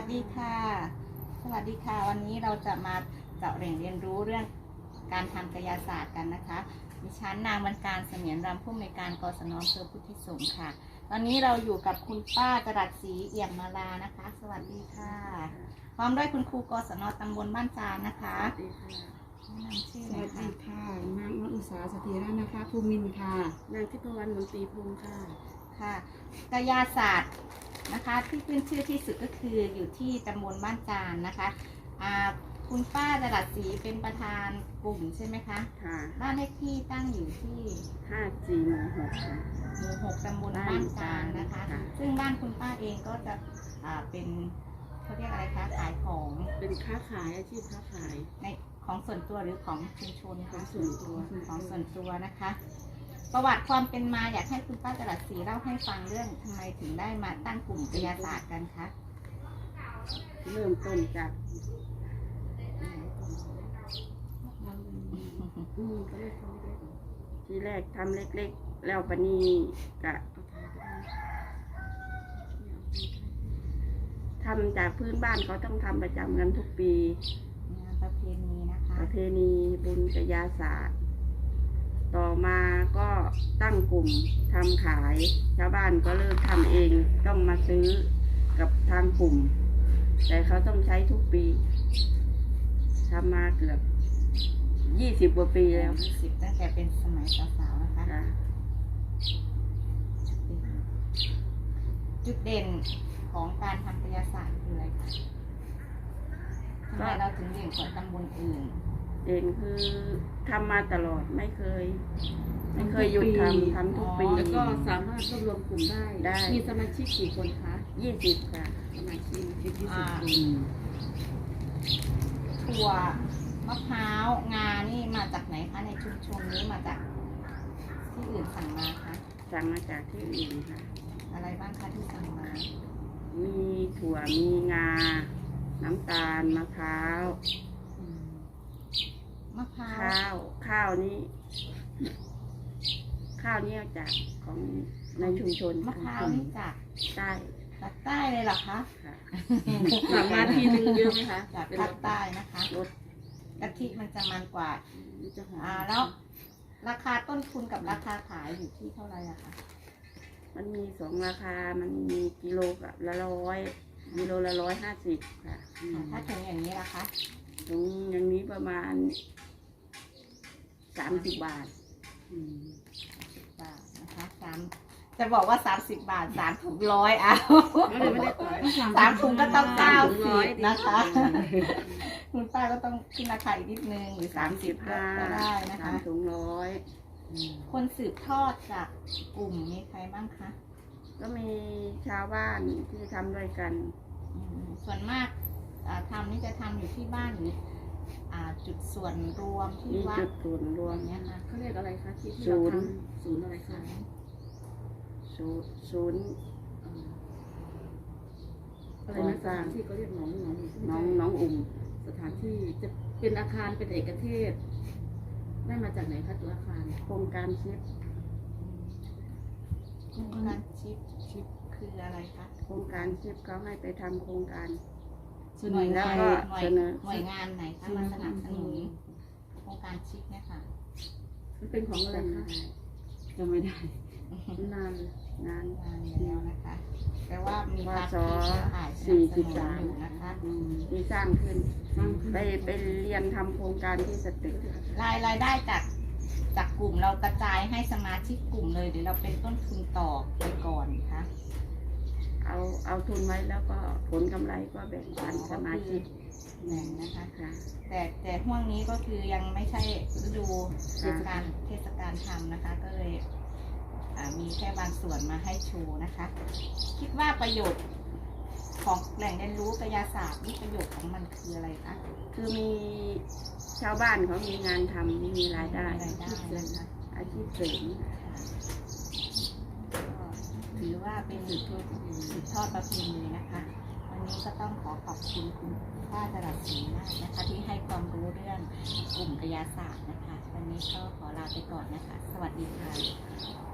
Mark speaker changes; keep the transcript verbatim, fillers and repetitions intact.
Speaker 1: ดีค่ะสวัสดีค่ะวันนี้เราจะมาเจาะแหล่งเรียนรู้เรื่องการทำกายศาสตร์กันนะคะดิฉันนางบรรการเสมียนรำผู้อำนวยการกศน.อำเภอพุทธิสงฆ์ค่ะตอนนี้เราอยู่กับคุณป้าจรัสศรีเอี่ยมมาลานะคะสวัสดีค่ะพร้อมด้วยคุณครูกศน.ตำบลบ้านจานนะคะ
Speaker 2: สวัสดีค่ะนางอุษาสถิระนะคะภูมินค่ะนางทิพวรรณมนตรีพงศ์ค่ะ
Speaker 1: ค่ะกายศาสตร์นะคะที่ขึ้นชื่อที่สุดก็คืออยู่ที่ตำบลบ้านจานนะคะคุณป้าจรัสศรีเป็นประธานกลุ่มใช่ไหมคะค่ะบ้านเลขที่ตั้งอยู่ที่
Speaker 2: ห้าจีหมู่หก
Speaker 1: หมู่หกตำบลบ้านจานนะคะซึ่งบ้านคุณป้าเองก็จะเป็นเขาเรียกอะไรคะขายของ
Speaker 2: เป็นค้าขายอาชีพค้าขาย
Speaker 1: ในของส่วนตัวหรือของชุมชน
Speaker 2: ของส่วนตัว
Speaker 1: ของส่วนตัวนะคะประวัติความเป็นมาอยากให้คุณป้าจรัสศรีเล่าให้ฟังเรื่องทำไมถึงได้มาตั้งกลุ่มกายศาสตร์กันคะ
Speaker 2: เริ่มต้นจากทีแรกทำเล็กๆแล้วปนีกะทำจากพื้นบ้านเขาต้องทำประจำกันทุกปี
Speaker 1: งานประเพณีนะคะ
Speaker 2: ประเพณีบุญกายศาสตร์ต่อมาก็ตั้งกลุ่มทำขายชาวบ้านก็เลิกทำเองต้องมาซื้อกับทางกลุ่มแต่เขาต้องใช้ทุกปีทำมาเกือบยี่สิบกว่าปีแล้ว
Speaker 1: ยี่สิบตั้งแต่เป็นสมัยสาวๆนะคะจุดเด่นของการทำกายศาสตร์คืออะไรคะทำไมเราถึงเด่นกว่าตำบลอื่น
Speaker 2: เด่นคือทำมาตลอดไม่เคยไม่เคยหยุดทำทำทุกปี
Speaker 3: แล้วก็สามารถรวบรวมกลุ่มได้
Speaker 2: ได้
Speaker 3: มีสมาชิกกี่คนคะ
Speaker 2: ยี่สิบค่ะ
Speaker 3: สมาชิกยี่สิบคน
Speaker 1: ถั่วมะพร้าวงานี่มาจากไหนคะในชุมชนนี้มาจากที่อื่นสั่งมาคะ
Speaker 2: สั่งมาจากที่อื่นค่ะ
Speaker 1: อะไรบ้างคะที่สั่งมา
Speaker 2: มีถั่วมีงาน้ำตาลมะพร้าว
Speaker 1: มะพร้าว
Speaker 2: ข้าวข้าวนี้ข้าวนี้จากของในชุมชน
Speaker 1: มะพร้าวนี่จาก
Speaker 2: ใต้
Speaker 1: จากใต้เลยเหรอคะ
Speaker 3: สั่งมาทีนึงเยอะไหมคะ
Speaker 1: จากภาคใต้นะคะรสกะทิมันจะมันกว่าอ่าแล้วราคาต้นทุนกับราคาขายอยู่ที่เท่าไหร่อะคะ
Speaker 2: มันมีสองราคามันมีกิโลละร้อยกิโลละร้อยห้าสิบค่ะ
Speaker 1: ถ้าถึงอย่างนี้ล่ะคะ
Speaker 2: ถึงอย่างนี้ประมาณสามสิบบาท
Speaker 1: สิบบาทนะคะสามจะบอกว่าสามสิบบาทสามถุงร้อยอ่ะสามถุงก็ต้องเก้าสิบนะคะคุณป้าก็ต้องขึ้นราคาอีกนิดนึงหรือสามสิบก็ได้นะคะ
Speaker 2: สามถุงร้อย
Speaker 1: คนสืบทอดจากกลุ่มมีใครบ้างคะ
Speaker 2: ก็มีชาวบ้านที่ทำด้วยกัน
Speaker 1: ส่วนมากทำนี่จะทำอยู่ที่บ้านหรือจุดส่วนรวมที่วัด
Speaker 2: จุดส่วนรวม
Speaker 1: เนี้ยค่ะ
Speaker 3: เขาเรียกอะไรคะที่ที่เราทำศูนย์อะไรคะ
Speaker 2: ศูนย์ศูนย์
Speaker 3: อะไรนะสถานที่เขาเรียกหนองหนอง
Speaker 2: น้องน้องอุ่ม
Speaker 3: สถานที่จะเป็นอาคารเป็นเอกเทศได้มาจากไหนคะตัวอาคาร
Speaker 2: โครงการชิป
Speaker 1: โครงการชิปชิปคืออะไรคะ
Speaker 2: โครงการชิปเขาให้ไปทำโครงการ
Speaker 1: หน่วยแล้วก็เสนอหน่วยงานไหนคะมาสนับสนุนโครงการชิปเนี่ยค่ะ
Speaker 3: มันเป็นของอะไรคะ
Speaker 2: จะไม่ได้นานนาน
Speaker 1: นานแล้วนะคะแต่ว่ามี
Speaker 2: การสี่สิบสาม
Speaker 1: นะคะ
Speaker 2: มีสร้างขึ้นไปไปเรียนทำโครงการที่สตึก
Speaker 1: รายรายได้จากจากกลุ่มเรากระจายให้สมาชิกกลุ่มเลยหรือเราเป็นต้นทุนต่อไปก่อนคะ
Speaker 2: เอาเอาทุนไว้แล้วก็ผลกำไรก็แบ่งปันสมาชิก
Speaker 1: แบ่งนะคะแต่แต่ห่วงนี้ก็คือยังไม่ใช่ฤดูเทศกาลเทศกาลทำนะคะก็เลยมีแค่บางส่วนมาให้โชว์นะคะคิดว่าประโยชน์ของแหล่งเรียนรู้กายศาสตร์นี่ประโยชน์ของมันคืออะไรคะ
Speaker 2: คือมีชาวบ้านเขามีงานทำมีรายได้
Speaker 1: อาชีพเสริม
Speaker 2: อาชีพเสริม
Speaker 1: ถือว่าเป็นสืบทอดสืบทอดประเพณีนะคะวันนี้ก็ต้องขอขอบคุณคุณป้าจรัสศรีมากนะคะที่ให้ความรู้เรื่องกลุ่มกายศาสตร์นะคะวันนี้ก็ขอลาไปก่อนนะคะสวัสดีค่ะ